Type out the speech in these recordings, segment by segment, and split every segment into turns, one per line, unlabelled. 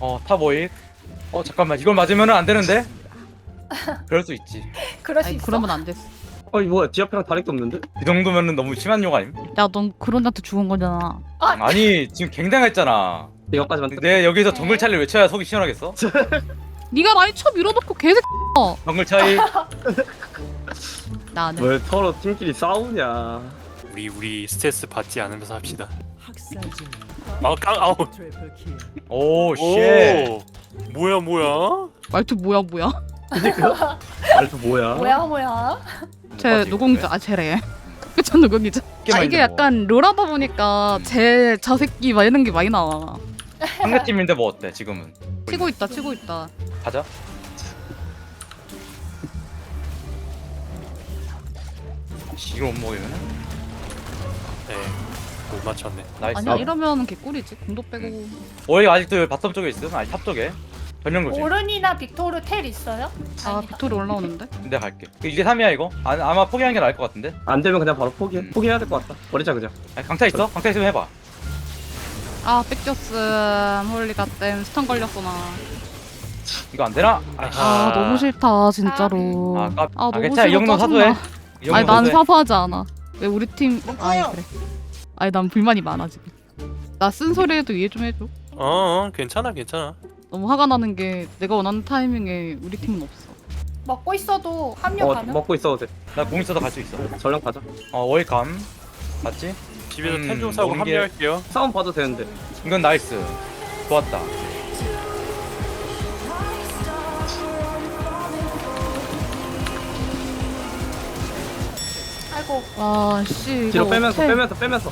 탑 오익. 잠깐만, 이걸 맞으면은 안 되는데? 그럴 수 있지.
그럴 수
아니
있어.
그러면 안 됐어.
이 뭐야 지하패랑 다리도 없는데?
이 정도면은 너무 심한 욕 아님?
야넌 그런한테 죽은 거잖아.
아니, 지금 굉장했잖아.
이거까지만
내 여기서 정글 차이를 외쳐야 속이 시원하겠어?
네가 라인 쳐 밀어놓고 개새.
정글 차이.
나는
왜 서로 팀끼리 싸우냐?
우리 스트레스 받지 않으면서 합시다. 아우.
오, 쉣.
오. 뭐야?
말투 뭐야?
말도 뭐야?
뭐야?
쟤 노공자 쟤래. 그쵸 노공이자. 이게 약간 롤하다 보니까 쟤 저 새끼 막 이런 게 많이 나와.
상대팀인데 뭐 어때, 지금은?
치고 있다.
가자. 이걸 못 먹으면?
네. 못 맞췄네.
나이스.
아니야 이러면 개꿀이지. 공도 빼고.
오익 아직도 여기 바텀 쪽에 있음? 아니, 탑 쪽에. 전령 조심.
오른이나 빅토르 텔 있어요?
아 빅토리 올라오는데?
내가 갈게. 이게 3이야 이거? 아마 포기하는 게 나을 것 같은데?
안 되면 그냥 바로 포기해. 포기해야 될 것 같다. 버리자 그냥.
아니, 강타 있어? 강타 있으면 해봐.
아 뺏겼음. 홀리가 땜 스턴 걸렸어 나.
이거 안 되나?
아 너무 싫다 진짜로. 너무
괜찮아. 이
싫어
정도 사도해.
짜증나.
이 정도
아니 난
사도해.
사과하지 않아. 왜 우리 팀? 아니 그래. 아니 난 불만이 많아 지금. 나 쓴소리해도 이해 좀 해줘.
괜찮아.
너무 화가 나는 게 내가 원하는 타이밍에 우리 팀은 없어.
먹고 있어도 합류 가능?
먹고 있어도 돼.
나 공 있어도 갈 수 있어.
전령 가자.
오익감. 맞지?
집에서 템 좀 사고
먹는 게-
합류할게요.
싸움 봐도 되는데.
이건 나이스. 좋았다.
아이고.
와 씨.
뒤로
이거
빼면서
어떡해.
빼면서.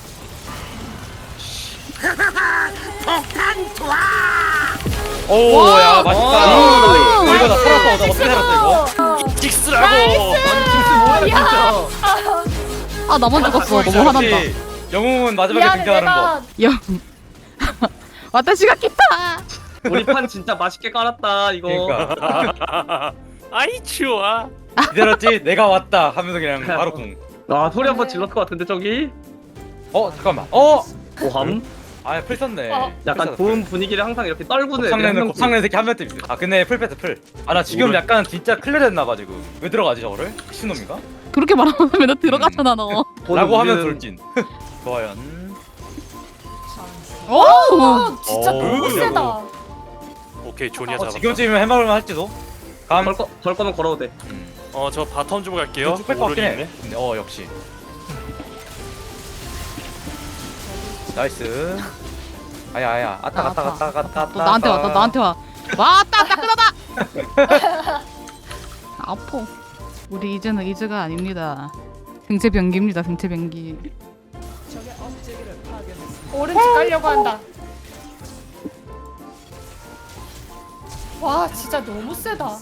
오,
와!
야, 맛있다.
와!
이거 나 살았어. 나 어떻게 살았어, 이거?
찍스라고.
뭐야 진짜.
아 나만 죽었어. 너무 화난다.
역시 영웅은 마지막에
미안해
등장하는 거.
내가
야. 와타시가 기타.
우리 판 진짜 맛있게 깔았다 이거.
그러니까
아이 추워.
기다렸지? 내가 왔다 하면서 그냥 바로 궁.
소리 한번 질렀을 것 같은데 저기.
잠깐만.
오함.
풀 썼네.
약간 좋은 분위기를 항상 이렇게 떨구는 애들이 한
곱상내는
명씩.
곱상내는 새끼 한 명도 있어. 근데 풀 패스 풀. 나 지금
오른-
약간 진짜 클리어 됐나봐 지금. 왜 들어가지 저거를? 미친놈인가?
그렇게 말하면 너 들어가잖아 너.
라고 하면
우리는
돌진. 좋아요.
어, 진짜
오,
너무
그러냐고.
세다.
오케이 조니아 잡았다.
지금쯤이면 해먹을만 할지도. 감.
걸 거면 걸어도 돼.
저 바텀 좀 갈게요.
쭉뺄것 같긴
오른이
해. 근데 역시. 나이스. 아야. 갔다.
또 나한테 왔다. 나한테 와. 왔다 끊어다. 아파. 우리 이제는 이즈가 아닙니다. 생체 변기입니다. 생체 변기.
오른쪽 가려고 한다. 와 진짜 너무 세다.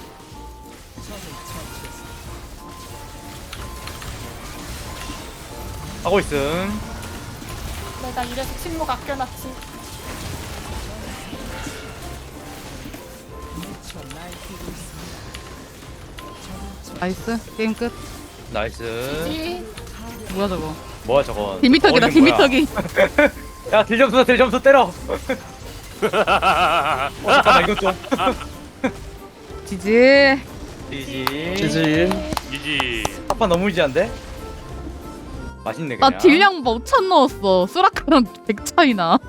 하고 있음.
내가 이래서 침묵 아껴놨지.
나이스. 게임 끝.
나이스.
지
뭐야 저거?
뭐야 저건?
딜미터기다.
어린 거야.
딜미터기.
야 딜점수 때려. 잠깐만 이거 좀.
지지.
지지.
지지.
이지.
합판 너무 이지한데? 맛있네
나
그냥.
딜량 5,000 넣었어. 수라카랑 100 차이나.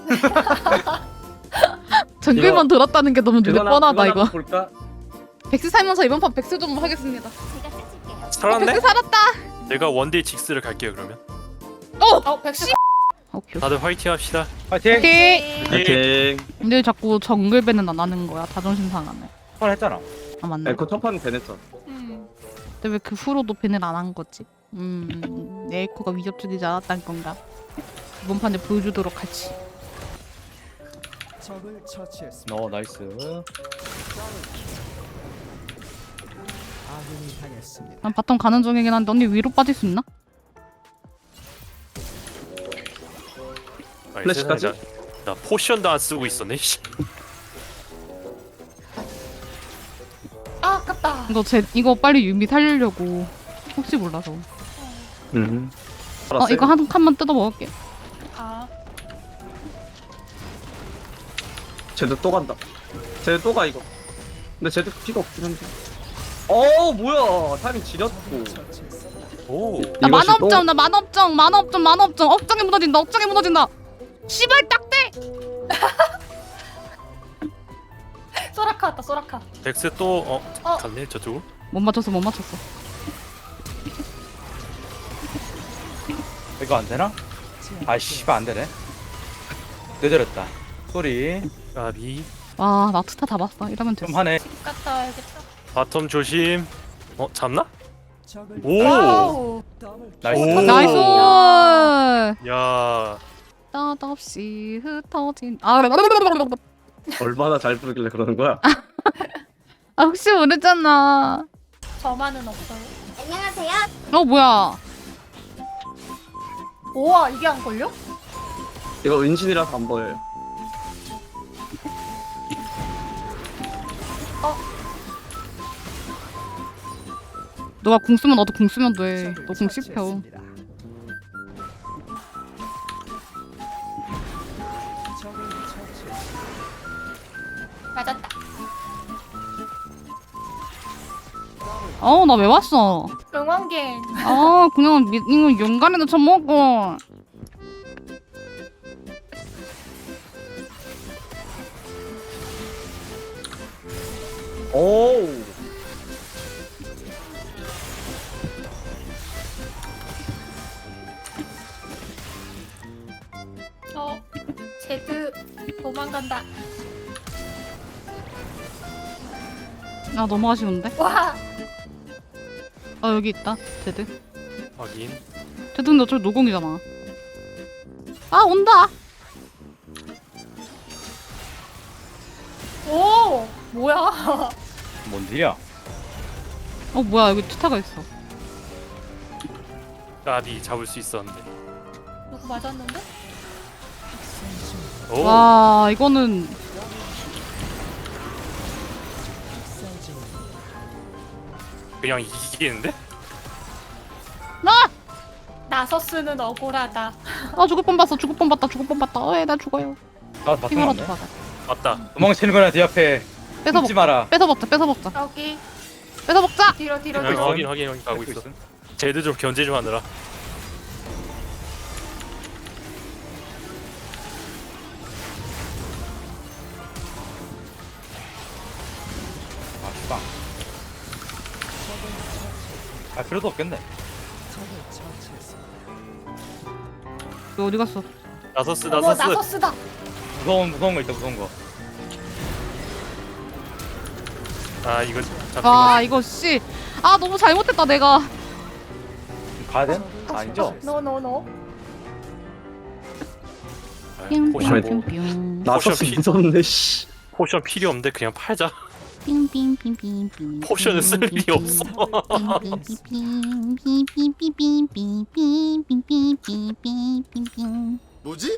정글만 들었다는 게 너무 눈에 뻔하다 이거.
볼까?
백스 살면서 이번 판 백스 좀 하겠습니다.
살았네?
백스 살았다.
내가 원딜 직스를 갈게요 그러면.
백스.
오케이.
다들 화이팅 합시다.
파이팅.
오케이.
파이팅.
근데 자꾸 정글배는 안 하는 거야. 자존심 상하네.
한번 했잖아.
아 맞네.
에코 첫 판은 되냈잖아.
근데 왜 그 후로도 밴을 안 한 거지? 에이코가 위협적이지 않았단 건가? 이번 판에 보여주도록 하지.
나이스.
난 바텀 가는 중이긴 한데 언니 위로 빠질 수 있나?
아니,
플래시까지?
세상에, 나 포션도 안 쓰고 있었네. 씨.
아 아깝다.
이거 빨리 유미 살리려고 혹시 몰라서. 이거 한 칸만 뜯어 먹을게.
아
쟤도 또 간다. 쟤도 또 가 이거. 근데 쟤도 피가 없긴 한데. 뭐야 타이밍 지렸고.
오.
나
이것이
만업점 나 만업점 억장에 무너진다. 씨발 딱대.
소라카 왔다 소라카.
덱스 또
어.
갔네 저쪽으로.
못 맞췄어.
이거 안 되나? 아 씨발 안 되네. 늦어졌다. 소리
까비.
와 나 투타 다 봤어. 이러면 됐어.
좀 하네.
갔다 와야겠다.
바텀 조심. 잡나? 오.
와우.
나이스.
오.
나이스.
야.
뜻없이 흩어진
얼마나 잘 부르길래 그러는 거야?
혹시 모르잖아.
저만은 없어요.
뭐야?
우와 이게 안 걸려?
이거 은신이라서 안 보여요.
너가 궁 쓰면 나도 궁 쓰면 돼. 너 궁 씹혀.
맞았다.
나 왜 왔어?
응원갱.
그냥 이거 용간에도 처먹고.
오.
제드 도망간다.
너무 아쉬운데?
와.
여기 있다. 제드.
확인.
제드 근데 어차피 노공이잖아. 온다.
오 뭐야?
뭔 일이야?
뭐야 여기 투타가 있어.
까비 잡을 수 있었는데.
누구 맞았는데?
오.
와 이거는
그냥 이기겠는데?
나서스는 억울하다.
죽을 뻔 봤다. 나 죽어요.
나 바텀
핑으로
왔네.
들어가.
맞다.
도망치는 거나 뒤 앞에 숨지 마라.
뺏어 먹자.
여기 뒤로
확인 가고 있어. 쟤들 좀 견제 좀 하느라.
아 씨발. 아 필요도 없겠네.
너 어디 갔어?
나서스.
나서스다.
무서운 거 있다 무서운 거.
아 이거 잡히고.
이거 씨. 너무 잘못했다 내가.
가야 돼? 아니죠?
노노노.
포션
뿅뿅뿅뿅.
나서스
포션
무섭네 씨.
포션 필요 없는데 그냥 팔자.
빙빙빙빙빙.
포션은 쓸 일이 없어.
뭐지?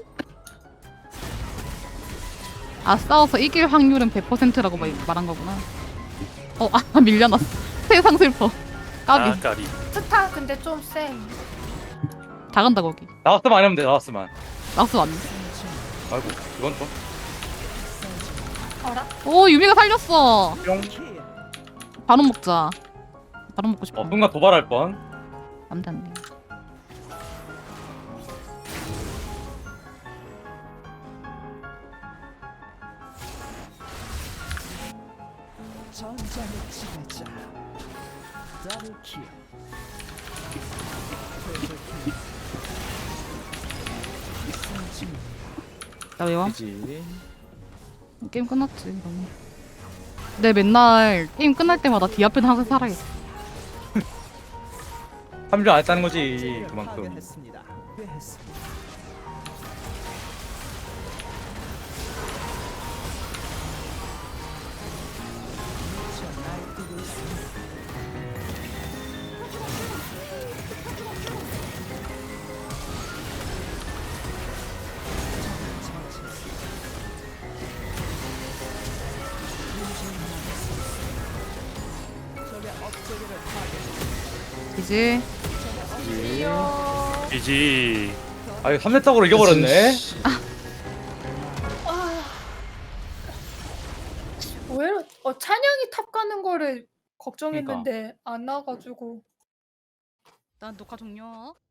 싸워서 이길 확률은 100%라고 말한 거구나. 밀려났어. 세상 슬퍼. 까비.
까비.
스타 근데 좀 쎄.
다 간다 거기.
나왔으면 안 하면 돼. 나왔으면.
나스 왔네.
아이고 이건 좀.
어라?
유미가 살렸어.
뿅.
바로 먹자. 바로 먹고 싶어.
순간 도발할 뻔.
안돼. 나 왜 와?
그지.
게임 끝났지 이러면. 내 맨날 게임 끝날 때마다 뒤 앞에는 항상 살아있어.
합류 안 했다는 거지 그만큼.
이제
이지.
아 이거 3대 탁으로 이겨버렸네.
오히려 찬양이 탑 가는 거를 걱정했는데 안 나가지고.
난 녹화 종료.